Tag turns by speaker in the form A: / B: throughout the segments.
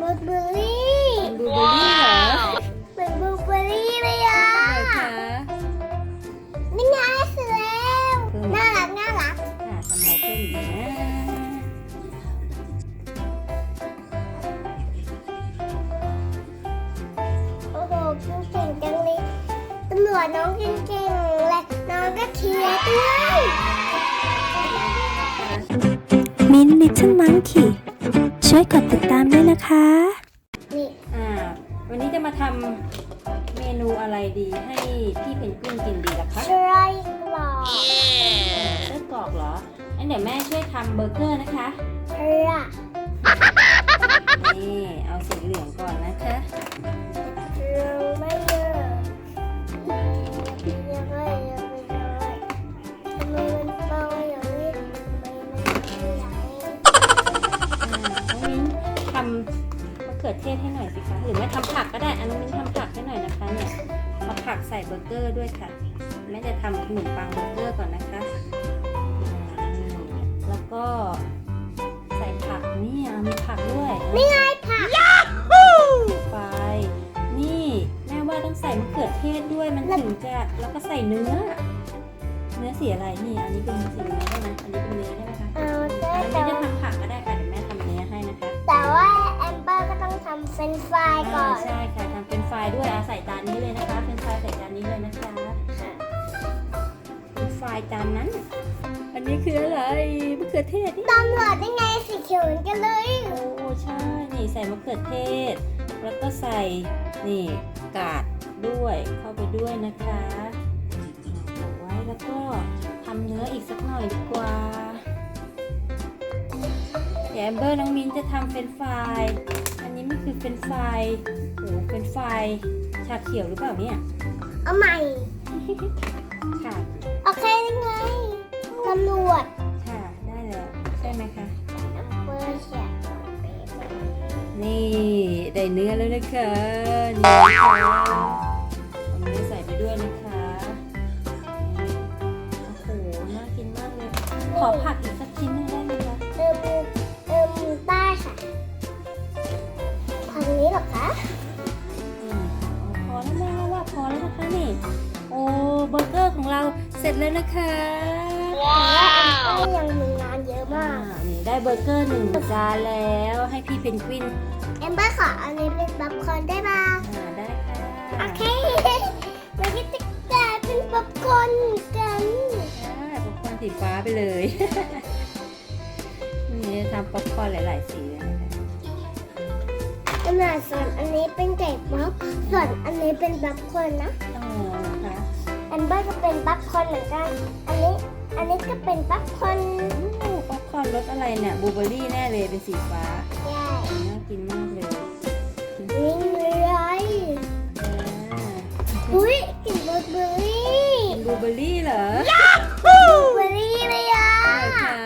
A: ลูเบอร์รี่
B: เป็นบลูเบอร์รี่เหรอ
A: เหมือนบลูเบอร์รี่เลยอ่ะ
B: ไหนคะ
A: นี่ไงเสร็จแล้วน่ารักน่ารัก
B: ค่ะทำอะไรเพิ่มอีกนะ
A: โอ้โหเก่งจังเลยตำรวจน้องเก่งๆและน้องก็เชียร์ด้วย
C: มิ้นท์ Little Monkey ช่วยกดติดตามด้วยนะคะ
A: นี่
B: วันนี้จะมาทำเมนูอะไรดีให้พี่เพนกวินกินดีล่ะคะ
A: ชรายกรอบ
B: ไส้กรอกเหรองั้นเดี๋ยวแม่ช่วยทำเบอร์เกอร์นะคะ
A: พระ
B: นี่เอาสีเหลืองก่อนนะคะ
A: เราไม่เยอะยังไงยังไม่ได้ทำไมมันเบาอย่างนี้ทำไมมันไม่ใหญ่
B: น้องมิ้นทำมะเขือเทศให้หน่อยสิคะหรือแม่ทำผักก็ได้น้องมิ้นทำผักให้หน่อยนะคะเนี่ยเอาผักใส่เบอร์เกอร์ด้วยค่ะแม่จะทำขนมปังเบอร์เกอร์ก่อนนะคะแล้วก็ใส่ผักนี่มีผักด้วย
A: นี่ไงผัก
B: ไปนี่แม่ว่าต้องใส่มะเขือเทศด้วยมันถึงจะแล้วก็ใส่เนื้อสีอะไรนี่อันนี้เป็นสีเนื้อได้ไหมอันนี้เป็นเนื้อได้ไหมคะ
A: เอาได้
B: อัน
A: แต่
B: นี้จะ
A: ว่า
B: ทำผักก็ได้ค่ะเดี๋ยวแม่ทำเนื้อให้นะคะ
A: แต่ว่าแอมเบอร์ก็ต้องทำเฟรนช์ฟรายก่อน
B: ใช่ค่ะทำเป็นไฟล์ด้วยใส่จานนี้เลยนะคะเป็นไฟล์ใส่จานนี้เลยนะคะเป็นไฟล์จานนั้น อันนี้คืออะไรมะเขือเทศนี่
A: ตำรวจได้ไงสีเขียวเหมือนกันเลย
B: โอ้ใช่นี่ใส่มะเขือเทศ แล้วก็ใส่นี่กาดด้วยเข้าไปด้วยนะคะเอาไว้แล้วก็ทำเนื้ออีกสักหน่อยดีกว่าเดี๋ยวแอมเบอร์น้องมินจะทำเป็นไฟล์อันนี้มันคือเป็นไฟล์โอ้เป็นไฟล์ชาเขียวหรือเปล่าเนี่ย
A: เอาใหม่
B: ค่ะ
A: โอเคได้ไงตำรวจ
B: ค่ะได้แล้วใช่ไหมคะ
A: แอมเบอร์เชียร์
B: นี่ได้เนื้อแล้วนะคะนี่ค่ะเอาเนื้อใส่ไปด้วยนะคะโอ้โหน่ากินมากเลย ขอผักอีกสักชิ้นหนึงได้ไหมคะ
A: ได้ค่ะทางนี้เหรอคะ
B: พอแล้วแม่ว่าพอแล้วนะคะนี่ โอ้เบอร์เกอร์ของเราเสร็จแล้วนะคะ
A: แต่ว่าแอมเบอร์ยังมีงานเยอะมาก
B: นี่ได้เบอร์เกอร์1 จานแล้วให้พี่เพนกวิน
A: แอมเบอร์ขออันนี้เป็นป๊อปคอร์นได้ป่ะ
B: ได้ค่ะ
A: โอเคมันก็จะกลายเป็นป๊อปคอร์นกัน
B: ป๊อปคอร์นสีฟ้าไปเลย นี่ทำป๊อปคอร์นหลายๆสีเลยนะคะ
A: ขนาดส่วนอันนี้เป็นไก่ป๊อปส่วนอันนี้เป็นป๊อปคอร์นนะ
B: อ๋อนะคะ
A: แอมเบอร์ก็เป็นป๊อปคอร์นเหมือนกัน อันนี้ก็เป็นป๊อปคอร์น
B: ป๊อปคอร์นรสอะไรเนี่ยบลูเบอร์รี่แน่เลยเป็นสีฟ้า
A: ใช่
B: น่ากินมากเลย
A: นิ่งเลย
B: อ่า
A: อุ้ยกลิ่นบลูเบอร์รี่
B: เป็นบลูเบอร์รี่เหรอ
A: บลูเบอร์รี่เลยอ่ะ
B: ใช่ค่ะ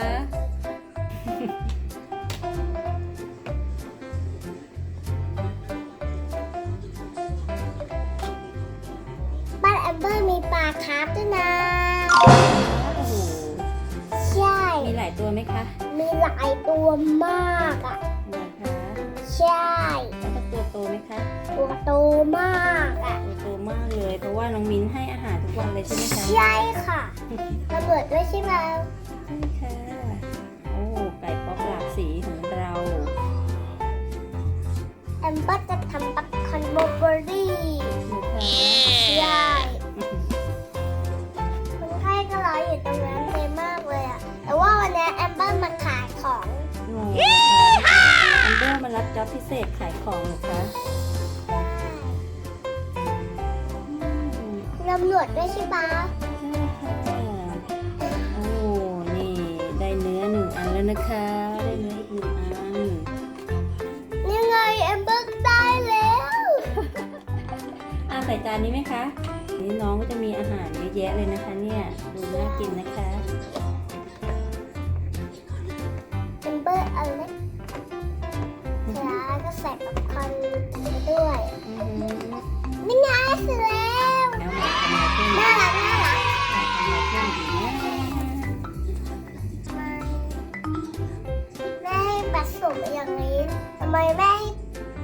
A: บ้านแอมเบอร์มีปลาคาร์ฟด้วยนะ
B: โอ้โห
A: ใช่
B: มีหลายตัวไหมคะ
A: มีหลายตัวมากอ่ะ
B: นะคะ
A: ใช่
B: แล้วก็ตัวโตไหมคะ
A: ตัวโตมากอ่ะ
B: ตัวโตมากเลย เพราะว่าน้องมิ้นให้อาหารทุกวันเลยใช่ไหมคะ
A: ใช่ค่ะระเบิดด้วยใช่ไหม
B: ใช่ค่ะ โอ้ไก่ป๊อปหลากสีของเรา
A: แอมเบอร์จะทำป๊อปคอร์นบลูเบอร์รี่
B: นะคะ
A: ใช่คนไข้ก็รออยู่ตรงนั้นเลยมากเลยอ่ะ แต่ว่าวันนี้แอมเบอร์มาขายของ
B: โอ้นะคะแอมเบอร์มารับจ็อบพิเศษขายของเหรอคะอืม
A: ตำรวจด้วยใช่ปะ
B: ใช่ค่ะ โอ้ นี่ ได้เนื้อ1 อันแล้วนะคะ ได้เนื้ออีก1 อัน
A: ยังไงแอมเบอร์ได้แล้ว
B: ใส่จานนี้ไหมคะ นี่น้องก็จะมีอาหารเยอะแยะเลยนะคะเนี่ย ดูน่ากินนะคะ
A: แอมเบอร์เอาเล็กแล้วก็ใส่ป๊อปคอร์นไปด้วย
B: อือหือ
A: นี่ไงเสร็จแล้ว
B: แล้วมาทำอะไรเพิ่ม
A: น่ารักน่ารัก
B: ทำอะไรเพิ่มดีนะ
A: แม่ให้ผสมอย่างนี้ทำไมแม่ให้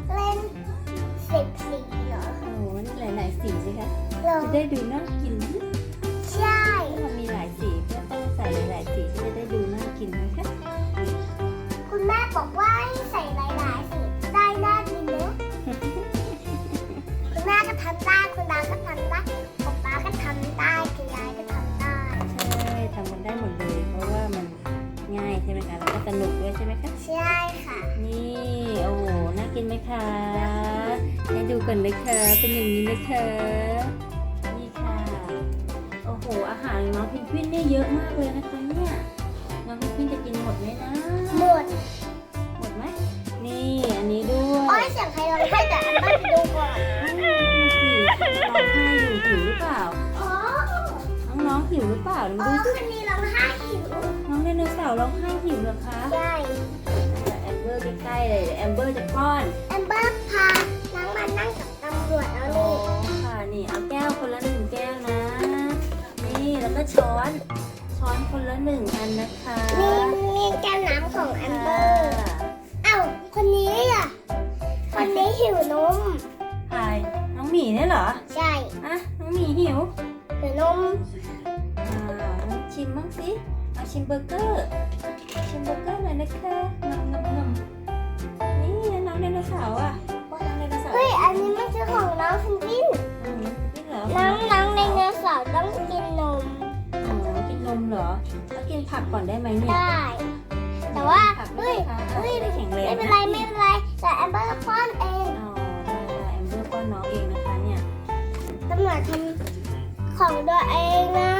B: ได้ดูน่ากินนะ
A: ใช่
B: มันมีหลายสีเพื่อต้องใส่หลายๆสีที่จะได้ดูน่ากินนะคะ
A: คุณแม่บอกว่าให้ใส่หลายๆสีได้น่ากินเนอะคุณแม่ก็ทำได้คุณตาก็ทำได้ป๊าป๊าก็ทำได้คุณยายก็ทำได้
B: ใช่ทำมันได้หมดเลยเพราะว่ามันง่ายใช่ไหมคะแล้วก็สนุกด้วยใช่ไหมคะ
A: ใช่ค่ะ
B: นี่โอ้โหน่ากินไหมคะให้ดูก่อนนะคะเป็นอย่างนี้นะคะนี่ค่ะโอ้โหอาหารของน้องเพนกวินเนี่ยเยอะมากเลยนะคะเนี่ยน้องเพนกวินจะกินหมดไหมนะ
A: หมด
B: หมดไหมนี่อันนี้ด้วย
A: โอ้ยเสียงใครร้องไห้แต่อันบ้านไปดูก่อน
B: สิร้องไห้อยู่หิวหรือเปล่า
A: อ๋อ
B: น้องๆหิวหรือเปล่า
A: อ๋อ
B: ดูสิ
A: คืนนี้ร้องไห้หิว
B: น้องไดโนเสาร์ร้องไห้หิวเหรอคะ
A: ใช่
B: แอมเบอร์ใกล้ๆเลยเดี๋ยวแอมเบอร์จะป้อน
A: แอมเบอร์พาน้องมานั่งกับตำรวจแล้ว
B: โอ้
A: นี่
B: ค่ะนี่เอาแก้วคนละ1 แก้วนะ นี่แล้วก็ช้อนคนละ1 อันนะคะ
A: นี่แก้วน้ำของแอมเบอร์ เอ้าคนนี้อ่ะ คนนี้หิวนม
B: ใครน้องหมีเนี่ยเหรอ
A: ใช่
B: อ่ะน้องหมีหิว
A: หิวนม
B: ลองชิมบ้างสิเอาชิมเบอร์เกอร์หน่อยนะคะนมนี่น้องไดโนเสาร์อ่ะป้อนน้องไดโนเสาร์
A: เฮ้ย อันนี้มันคือของน้องเพนกวิน
B: นี่เหรอ
A: น้องไดโนเสาร์ต้องกินนม
B: อ๋อกินนมเหรอแล้วกินผักก่อนได้ไหมเนี่ย
A: ได้ แต่ว่า
B: ผัก
A: เฮ้ย
B: เฮ้ยไม่แข็งแรง
A: ไม่เป็นไรไม่เป็นไร แต่แอมเบอร์ป้อนเอง
B: อ๋อได้แอมเบอร์ป้อนน้องเองนะคะเนี่ย
A: ตำรวจทำของตัวเองนะ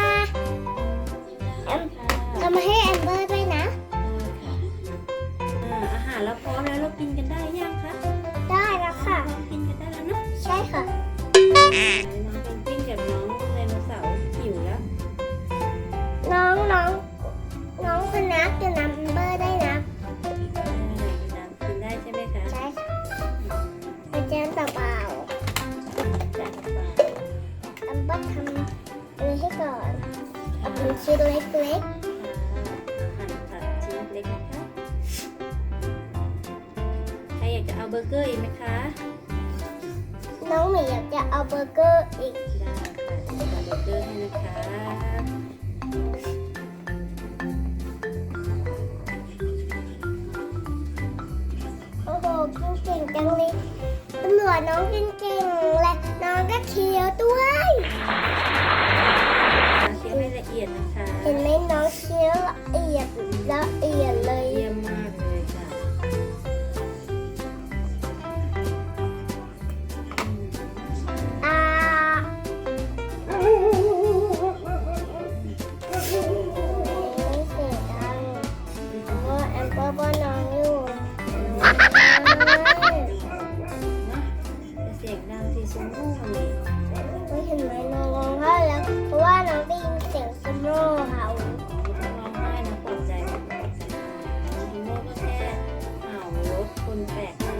A: แอมทำให้แอมเบอร์ด้วยนะ
B: อาหารเราพร้อมแล้วเรากินกันได้ยังคะ
A: ได้แล้วค่ะ
B: เรากินกันได้แล้วเนาะ
A: ใช่ค่ะ
B: น้องเป็นปิ้งกับน้องไดโนเสาร์หิวแล้ว
A: น้องคนนักจะนำแอมเบอร์ได้นะ
B: กินได้ใช่ไหมคะ
A: ใช่ค่ะไปแจมเปล่า
B: จัดไป
A: ๆแอมเบอร์ทำอันนี้ให้ก่อนเป็นชิ้นเล็ก
B: หั่นตัดชิ้นเล็กนะคะใครอยากจะเอาเบอร์เกอร์อีกไหมคะ
A: ๆน้องหมีอยากจะเอาเบอร์เกอร์อีก
B: ได้ค่ะจะเอาเบอร์เกอร์ให้นะคะ
A: โอ้โหกินเก่งจังเลยตำรวจน้องกินเก่งและน้องก็เคี้ยวด้วย
B: เคี่ยวให้ละเอียดนะคะ
A: เห็นไหมน้องเคี้ยวละเอียดเลย
B: เยี่ยมมากเลยค่ะ
A: อ่าเสียดังเพราะแอมเบอร์บ้านน้องอยู่
B: จะเสียงดังสิซุ้มหูนี่
A: ไม่เห็นไหมน้องร้องไห้แล้วเพราะว่าน้องได้ยินเสียงสโนว์เห่า
B: ต้องร้องไห้นะปลอบใจปลอบใจฮิโมก็แค่เห่ารถคนแปลกหน้า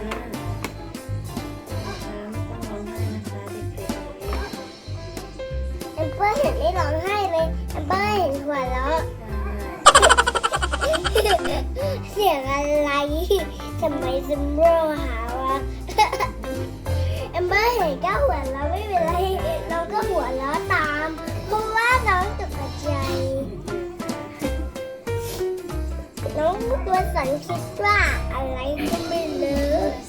B: นะคะไม่ต้องร้องไห้นะคะเด็ก
A: แอมเบอร์เห็นไม่ร้องไห้เลยแอมเบอร์เห็นหัวเราะ
B: ๆใช่
A: เสียงอะไรทำไมสโนว์เห่าวะแอมเบอร์เห็นก็หัวเราะไม่เป็นไรน้องก็หัวเราะตามเพราะว่าน้องตกใจ น้องตัวสันคิดว่าอะไรก็ไม่รู้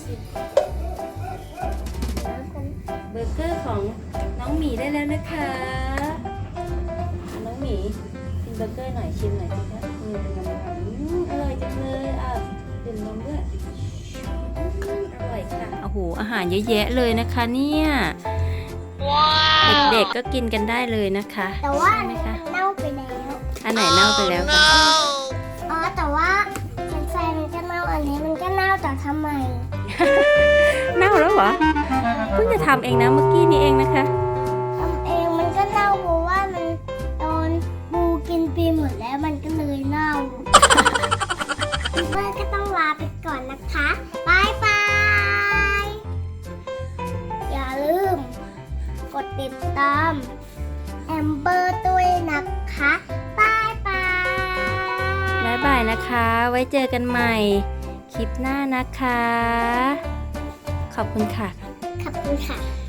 B: เบอร์เกอร์ของน้องหมีได้แล้วนะคะน้องหมีกินเบอร์เกอร์หน่อยชิมหน่อยสิคะเป็นยังไงอร่อยจังเลยดื่มนมด้วยอร่อยค่ะโอ้โหอาหารเยอะแยะเลยนะคะเนี่ยเด็กๆก็กินกันได้เลยนะคะ
A: แต่ว่า
B: ใช่
A: อัน
B: ไหม
A: นี้
B: คะ
A: มันเน่าไปแล้ว
B: อันไหนเน่าไปแล้วคะ
A: อ๋อแต่ว่าเป็นไฟมันก็เน่าอันนี้มันก็เน่าแต่ทำไม
B: เน่าแล้วเหรอเพิ่งจะทำเองนะเมื่อกี้นี้เองนะคะ
A: ทำเองมันก็เน่าเพราะว่ามันโดนบูกินไปหมดแล้วมันก็เลยเน่าเพื่อนก็ต้องลาไปก่อนนะคะบายบายอย่าลืมกดติดตามแอมเบอร์ด้วยนะคะบายบาย
B: บ๊ายบายนะคะ ไว้เจอกันใหม่ คลิปหน้านะคะ ขอบคุณค่ะ
A: ขอบคุณค่ะ